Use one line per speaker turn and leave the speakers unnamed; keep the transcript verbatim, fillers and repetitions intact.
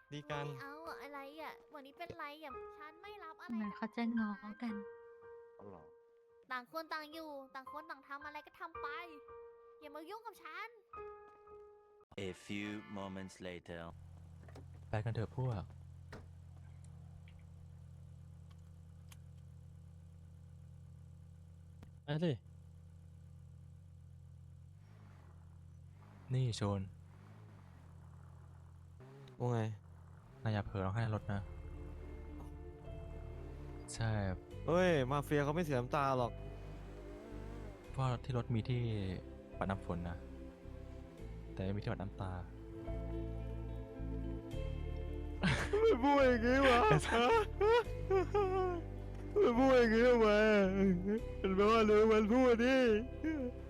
ดีกัน
ไม่เอาอะอะไรอ่ะวันนี้เป็นไรอ่ะฉันไม่รับอะไร
เหมือน
จาก
เขาจะง้อกัน
เอาเหรอ
ต่างคนต่างอยู่ ต่างคนต่างทำอะไรก็ทำไป อย่ามายุ่งกับฉัน
A few moments later.
ไปกันเถอะพวก
ไปสิ
นี่โชน
ว่าไง
นายอย่าเผลอร้องไห้ในรถนะ ใช่
เฮ้ย มาเฟียเขาไม่เสียน้ำตาหรอก
เพราะที่รถมีที่ปัดน้ำฝนนะ แต่ไม่มีที่ปัดน้ำตา
ไม่พูดอย่างงี้วะไม่พูดอย่างงี้ทำไมเป็นเพราะว่าเรื่องมันพูดดิ